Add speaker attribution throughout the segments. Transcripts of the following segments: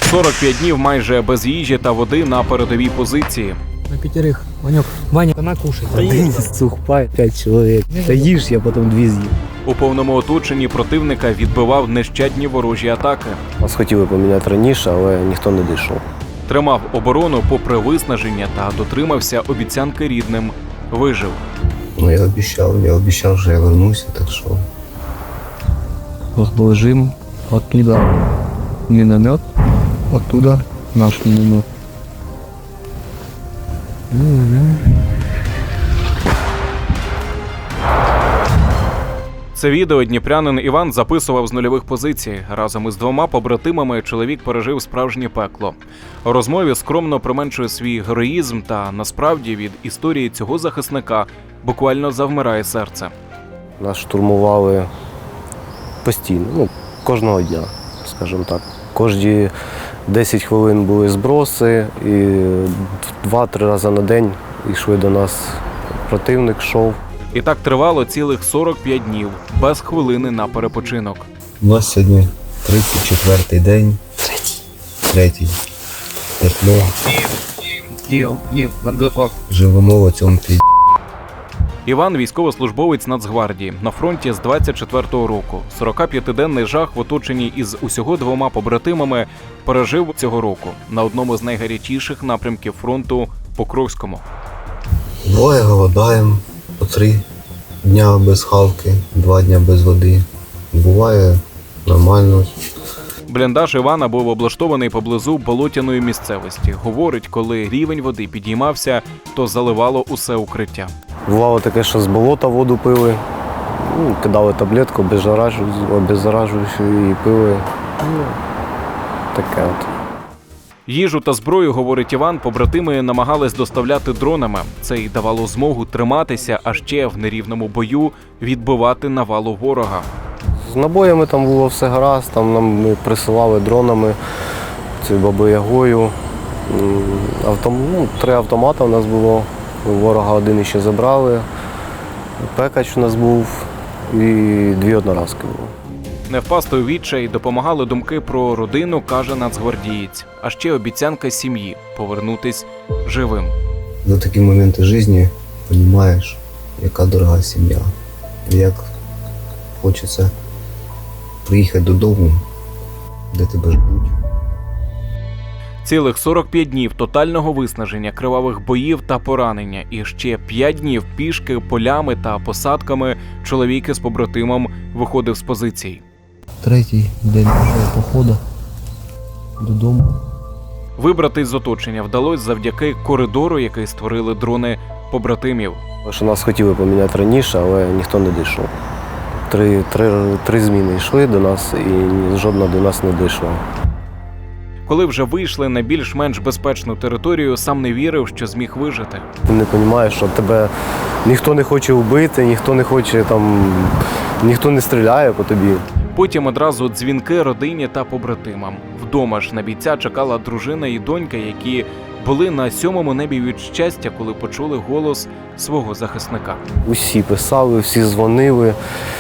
Speaker 1: 45 днів майже без їжі та води на передовій позиції.
Speaker 2: На пятерых. Ванек, Ваня, она кушает.
Speaker 3: Один сухпай, 5 чоловік. Та їж, я потім 2 з'їв.
Speaker 1: У повному оточенні противника відбивав нещадні ворожі атаки.
Speaker 3: Нас хотіли поміняти раніше, але ніхто не дійшов.
Speaker 1: Тримав оборону попри виснаження та дотримався обіцянки рідним. Вижив.
Speaker 4: Ну, я обещал, что я вернусь, так что...
Speaker 5: Расположим оттуда миномет, оттуда наш миномет.
Speaker 1: Це відео дніпрянин Іван записував з нульових позицій. Разом із 2 побратимами чоловік пережив справжнє пекло. У розмові скромно применшує свій героїзм та, насправді, від історії цього захисника буквально завмирає серце.
Speaker 3: Нас штурмували постійно, кожного дня, скажімо так. Кожні 10 хвилин були зброси, і 2-3 рази на день йшли до нас противник, йшов.
Speaker 1: І так тривало цілих 45 днів, без хвилини на перепочинок.
Speaker 4: У нас сьогодні 34-й день. Третій. Тепло. Живемо в цьому пі***.
Speaker 1: Іван – військовослужбовець Нацгвардії, на фронті з 24-го року. 45-денний жах в оточенні із усього 2 побратимами пережив цього року на одному з найгарячіших напрямків фронту – Покровському.
Speaker 4: Двоє голодаємо, по 3 дня без хавки, 2 дня без води. Буває нормально.
Speaker 1: Бліндаж Івана був облаштований поблизу болотяної місцевості. Говорить, коли рівень води підіймався, то заливало усе укриття.
Speaker 3: Бувало таке, що з болота воду пили, кидали таблетку обеззаражуючу і пили. Таке от.
Speaker 1: Їжу та зброю, говорить Іван, побратими намагались доставляти дронами. Це й давало змогу триматися, а ще в нерівному бою відбивати навалу ворога.
Speaker 3: З набоями там було все гаразд, там ми присилали дронами, Баби-Ягою. 3 автомати у нас було, ворога 1 ще забрали, пекач у нас був і 2 одноразки було.
Speaker 1: Не впасти у відчай допомагали думки про родину, каже нацгвардієць. А ще обіцянка сім'ї – повернутись живим.
Speaker 4: За такі моменти життя розумієш, яка дорога сім'я. Як хочеться приїхати додому, де тебе ждуть.
Speaker 1: Цілих 45 днів тотального виснаження, кривавих боїв та поранення. І ще 5 днів пішки, полями та посадками чоловік із побратимом виходив з позицій.
Speaker 5: 3-й день пішов походу додому.
Speaker 1: Вибратись з оточення вдалося завдяки коридору, який створили дрони побратимів.
Speaker 3: Що нас хотіли поміняти раніше, але ніхто не дійшов. 3 зміни йшли до нас і жодна до нас не дійшла.
Speaker 1: Коли вже вийшли на більш-менш безпечну територію, сам не вірив, що зміг вижити.
Speaker 3: Ти не розумієш, що тебе ніхто не хоче вбити, ніхто не стріляє по тобі.
Speaker 1: Потім одразу дзвінки родині та побратимам. Вдома ж на бійця чекала дружина і донька, які були на 7-му небі від щастя, коли почули голос свого захисника.
Speaker 3: Усі писали, всі дзвонили.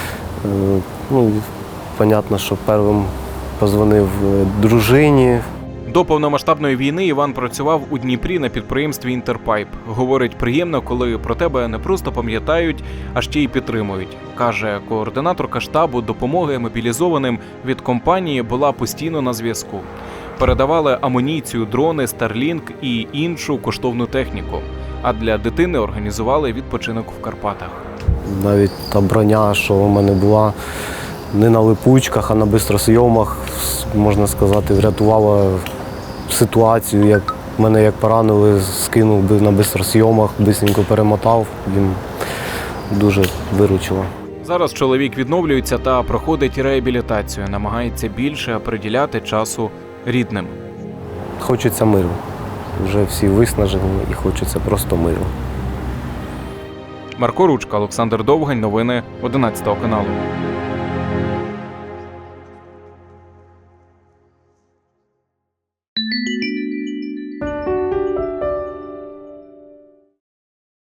Speaker 3: Понятно, що першим позвонив дружині.
Speaker 1: До повномасштабної війни Іван працював у Дніпрі на підприємстві «Інтерпайп». Говорить, приємно, коли про тебе не просто пам'ятають, а ще й підтримують. Каже, координаторка штабу допомоги мобілізованим від компанії була постійно на зв'язку. Передавали амуніцію, дрони, Starlink і іншу коштовну техніку. А для дитини організували відпочинок в Карпатах.
Speaker 3: Навіть та броня, що у мене була, не на липучках, а на бистросйомах, можна сказати, врятувала ситуацію. Як мене як поранили, скинув би на бистросйомах, бистренько перемотав, він дуже виручило.
Speaker 1: Зараз чоловік відновлюється та проходить реабілітацію, намагається більше приділяти часу рідним.
Speaker 3: Хочеться миру. Вже всі виснажені і хочеться просто миру.
Speaker 1: Марко Ручка, Олександр Довгань, новини 11 каналу.